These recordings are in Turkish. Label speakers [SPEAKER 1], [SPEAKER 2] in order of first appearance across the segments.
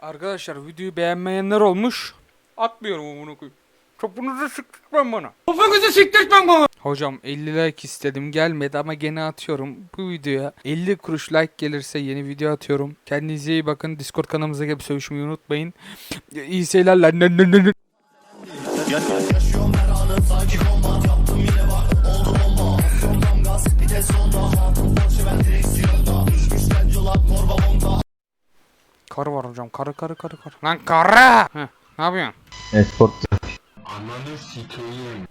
[SPEAKER 1] Arkadaşlar videoyu beğenmeyenler olmuş. Atmıyorum bunu koyayım. Topunuzu siktirtmem bana. Topunuzu siktirtmem bana. Hocam 50 like istedim gelmedi ama gene atıyorum. Bu videoya 50 kuruş like gelirse yeni video atıyorum. Kendinize iyi bakın. Discord kanalımıza gelip sövüşmeyi unutmayın. İyi seyirler.
[SPEAKER 2] Yaşıyorum her anı sanki kombat yaptım yine bak oldu bomba Aksiyondan gaz vites sonda hatun Porsche ben direksiyonda Düşmüşten culak torba monta
[SPEAKER 1] Karı var hocam. Karı. Lan karı. Heh, ne yapıyorsun?
[SPEAKER 3] Esport.
[SPEAKER 4] Ananı sikeyim.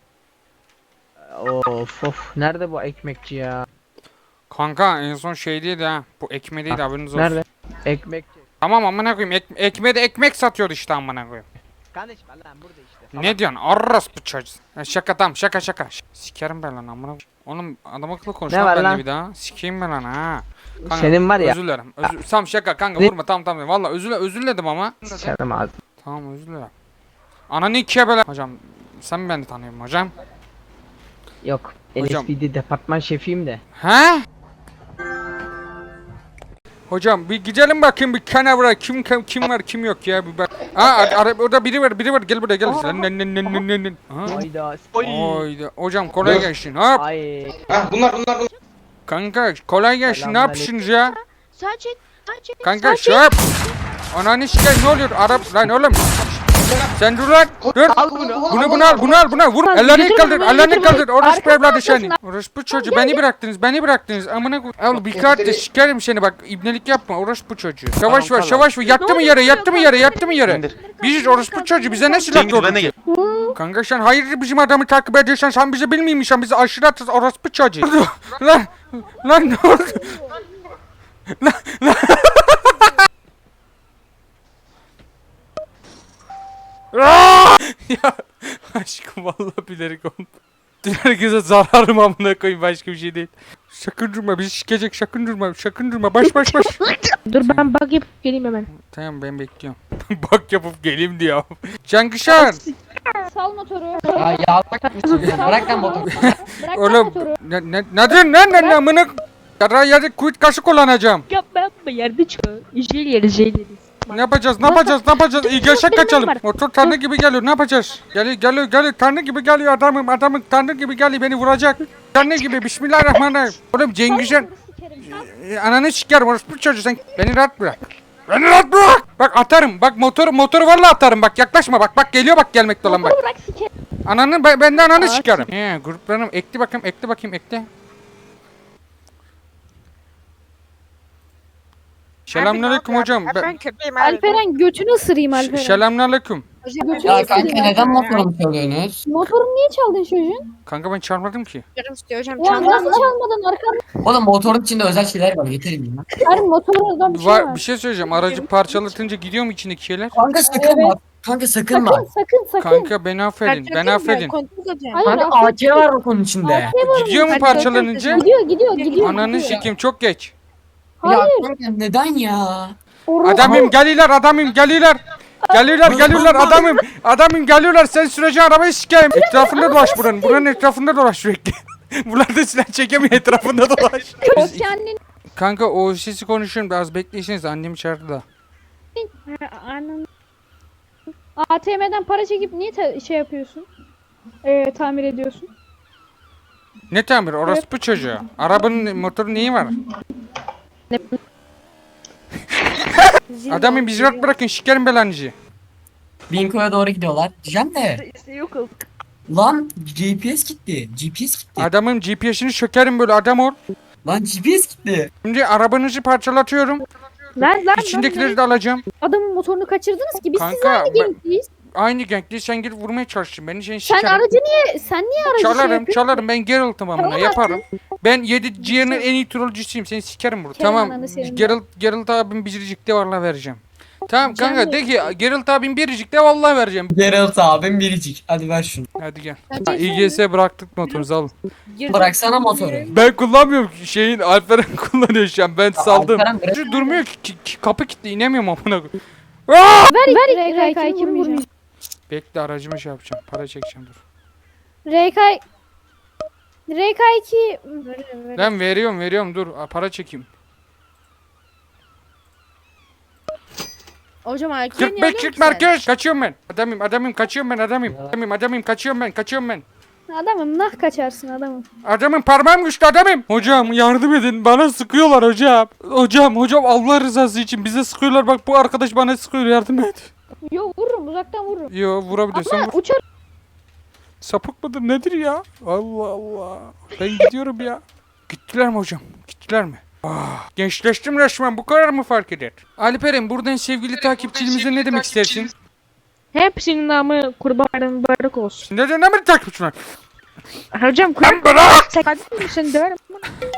[SPEAKER 5] Of nerede bu ekmekçi ya?
[SPEAKER 1] Kanka en son şeydeydi ha. Bu ekmeğdeydi haberiniz olsun.
[SPEAKER 5] Nerede? Ekmekçi.
[SPEAKER 1] Tamam amına koyayım. Ekmeğe de ekmek satıyordu işte amına koyayım.
[SPEAKER 5] Kardeşim lan burada işte.
[SPEAKER 1] Ne diyorsun? Arras bu çocuğu. Şaka tamam şaka. Sikerim ben lan amına. Oğlum adam akıllı konuş
[SPEAKER 5] Ne
[SPEAKER 1] lan
[SPEAKER 5] var
[SPEAKER 1] benimle
[SPEAKER 5] lan?
[SPEAKER 1] bir daha. Sikeyim ben lan ha. Kanka,
[SPEAKER 5] Senin var ya.
[SPEAKER 1] Özür dilerim. Tamam şaka kanka
[SPEAKER 5] Ne?
[SPEAKER 1] vurma tamam. Valla özür diledim ama.
[SPEAKER 5] Sıçarım ağzını.
[SPEAKER 1] Tamam özür dilerim. Ananı ikiye böyle. Hocam sen mi beni tanıyorsun hocam?
[SPEAKER 5] Yok.
[SPEAKER 1] Hocam.
[SPEAKER 5] NSPD departman şefiyim de.
[SPEAKER 1] He? Hocam bir gidelim bakayım bir kenara kim var kim yok ya bir bak. Orada biri var gel buraya gel. Ha?
[SPEAKER 5] Hayda.
[SPEAKER 1] Hayda. Hocam kolay gelsin. Hop.
[SPEAKER 5] Ay.
[SPEAKER 4] Bunlar.
[SPEAKER 1] Kanka kolay gelsin. Ne yapıyorsunuz ya?
[SPEAKER 6] Saçın.
[SPEAKER 1] Kanka şöp. Ananı sikeyim ne oluyor? Arap lan oğlum. Sen dur lan. Dur.
[SPEAKER 5] Al bunu.
[SPEAKER 1] Bunu al. Vur. Ellerini kaldır. Orospu evladı seni.
[SPEAKER 6] arkasına.
[SPEAKER 1] Orospu çocuğu beni bıraktınız. Amına koy. Al bir kart de sikerim seni bak. İbnelik yapma. Orospu çocuğu. Savaş var. Yattı mı yere? Biziz orospu çocuğu. Bize ne silah doğru? Kanka sen hayır bizim adamı takip ediyorsan sen bizi bilmiyorsan bizi aşırı atız orospu çocuğu. Lan ne oldu? Ya aşkım vallahi bilerek oldu. Herkese zararım amına koyayım başka bir şey değil. Sakın durma bizi sikecek sakın durma baş.
[SPEAKER 6] Dur ben bug yapıp geleyim hemen.
[SPEAKER 1] Tamam ben bekliyorum. Bak yapıp geleyim diyor. Cankışar.
[SPEAKER 6] Sal motoru.
[SPEAKER 5] Ay ya bırak lan motoru.
[SPEAKER 6] Bırak
[SPEAKER 1] Oğlum
[SPEAKER 6] motoru.
[SPEAKER 1] ne diyorsun lan amına yerde kuyut kaşı kullanacağım.
[SPEAKER 6] Yapma yerde çıkıyor. Jel yeriz.
[SPEAKER 1] Ne yapacağız? İyi geçek kaçalım. Motor tanrı gibi geliyor. Ne yapacağız? Geliyor. Tanrı gibi geliyor adamın tanrı gibi geliyor beni vuracak. Tanrı gibi bismillahirrahmanirrahim. Oğlum Cengizcan ananı sikerim orospu çocuğu sen beni rahat bırak. Bak atarım. Bak motoru vallahi atarım. Bak yaklaşma bak geliyor bak gelmekte olan bak.
[SPEAKER 6] Bırak sikerim.
[SPEAKER 1] Ben de ananı sikerim. Gruplarım ekle bakayım. Selamünaleyküm hocam.
[SPEAKER 7] Ben köpeğim abi.
[SPEAKER 6] Alperen götünü ısırayım Alperen.
[SPEAKER 1] Selamünaleyküm.
[SPEAKER 6] Götünü
[SPEAKER 5] Ya kanka
[SPEAKER 6] ısırayım.
[SPEAKER 5] neden motorumu çalıyorsunuz?
[SPEAKER 6] Motorumu niye çaldın çocuğun?
[SPEAKER 1] Kanka ben çarpmadım ki.
[SPEAKER 7] Canım istiyor hocam.
[SPEAKER 6] Ya
[SPEAKER 7] Çantam
[SPEAKER 6] nasıl çalmadın arkamda?
[SPEAKER 5] Oğlum motorun içinde özel şeyler var getirin ya.
[SPEAKER 6] Her motorundan bir şey var.
[SPEAKER 1] Bir şey söyleyeceğim. Aracı parçalatınca gidiyor mu içindeki şeyler?
[SPEAKER 5] Kanka sakın bak. Kanka sakın bak.
[SPEAKER 6] Sakın.
[SPEAKER 1] Kanka beni affedin.
[SPEAKER 7] Kontrol edeceğim.
[SPEAKER 6] Hayır,
[SPEAKER 5] Kanka AK var o konunun içinde.
[SPEAKER 1] Gidiyor mu
[SPEAKER 7] Hadi
[SPEAKER 1] parçalanınca?
[SPEAKER 6] Gidiyor.
[SPEAKER 1] Ananı sikeyim çok geç.
[SPEAKER 6] Hayır.
[SPEAKER 5] Ya kanka neden ya?
[SPEAKER 1] Adamım geliyorlar adamım. Geliyorlar sen sürece arabayı sikeyim. Etrafında dolaş buranın etrafında dolaş sürekli. Bunlar da silah çekemiyor etrafında dolaş.
[SPEAKER 6] O kendin.
[SPEAKER 1] Kanka o sesi konuşuyorum biraz bekleyseniz annem içeride da.
[SPEAKER 6] Anam. ATM'den para çekip niye şey yapıyorsun? Tamir ediyorsun.
[SPEAKER 1] Ne tamir orospu çocuğu. Arabanın motorun neyi var? Adamım bizi rahat bırakın sikerim belanızı.
[SPEAKER 5] Binko'ya doğru gidiyorlar. Diyeceğim de.
[SPEAKER 6] Yok ol.
[SPEAKER 5] Lan GPS gitti.
[SPEAKER 1] Adamın GPS'ini sökerim böyle adam ol.
[SPEAKER 5] Lan GPS gitti.
[SPEAKER 1] Şimdi arabanızı parçalatıyorum.
[SPEAKER 6] Lan.
[SPEAKER 1] İçindekileri de alacağım.
[SPEAKER 6] Adamın motorunu kaçırdınız ki biz siz
[SPEAKER 1] Kanka,
[SPEAKER 6] aynı gençliyiz.
[SPEAKER 1] Aynı genkli sen gelip vurmaya çalıştın. Beni
[SPEAKER 6] Sen
[SPEAKER 1] sikerim.
[SPEAKER 6] aracı niye aracı
[SPEAKER 1] Çalarım ben Geralt'ım amına
[SPEAKER 6] Tamam,
[SPEAKER 1] yaparım. Ben 7 G'nin en iyi trollcüsüyüm seni sikerim burada.
[SPEAKER 6] Kerim
[SPEAKER 1] Tamam
[SPEAKER 6] ananı senin.
[SPEAKER 1] Geralt abim biricikte vallahi vereceğim. Tamam kanka de ki Geralt abim biricikte vallahi vereceğim.
[SPEAKER 5] Geralt abim biricik. Hadi ver şunu.
[SPEAKER 1] Hadi gel.
[SPEAKER 6] Hadi
[SPEAKER 1] İGS bıraktık motorunuzu alın.
[SPEAKER 5] Bıraksana motoru.
[SPEAKER 1] Ben kullanmıyorum şeyin Alperen kullanıyor şu an ben saldım.
[SPEAKER 5] Alperen bırak.
[SPEAKER 1] Şu durmuyor ki kapı kilitli inemiyorum amına koyayım.
[SPEAKER 6] Ver RK2 vurmayacağım.
[SPEAKER 1] Bekle aracımı şey yapacağım para çekeceğim dur.
[SPEAKER 6] RK2
[SPEAKER 1] Lan veriyorum dur para çekeyim.
[SPEAKER 6] Hocam IQ'ya niye
[SPEAKER 1] 45
[SPEAKER 6] alıyorsun
[SPEAKER 1] 40
[SPEAKER 6] ki sen?
[SPEAKER 1] merkez. Kaçıyorum ben. Adamım kaçıyorum ben adamım kaçıyorum ben.
[SPEAKER 6] Adamım nah kaçarsın adamım.
[SPEAKER 1] Adamım parmağım güçlü adamım. Hocam yardım edin bana sıkıyorlar hocam. Hocam Allah rızası için bize sıkıyorlar bak bu arkadaş bana sıkıyor yardım et.
[SPEAKER 6] Yo vururum uzaktan vururum.
[SPEAKER 1] Yo vurabiliyorsan
[SPEAKER 6] Ama
[SPEAKER 1] vur.
[SPEAKER 6] uçar.
[SPEAKER 1] Sapık mıdır nedir ya? Allah Allah. Ben gidiyorum ya. Gittiler mi hocam? Gittiler mi? Gençleştim resmen bu kadar mı fark eder? Alperen buradan sevgili takipçilerimize ne demek istersin?
[SPEAKER 3] Hepsinin namı kurban bayramı mübarek olsun.
[SPEAKER 1] Neden ne mi takipçiler?
[SPEAKER 3] Hocam
[SPEAKER 1] Lan bırak!
[SPEAKER 3] sen kardeşim misin döverim.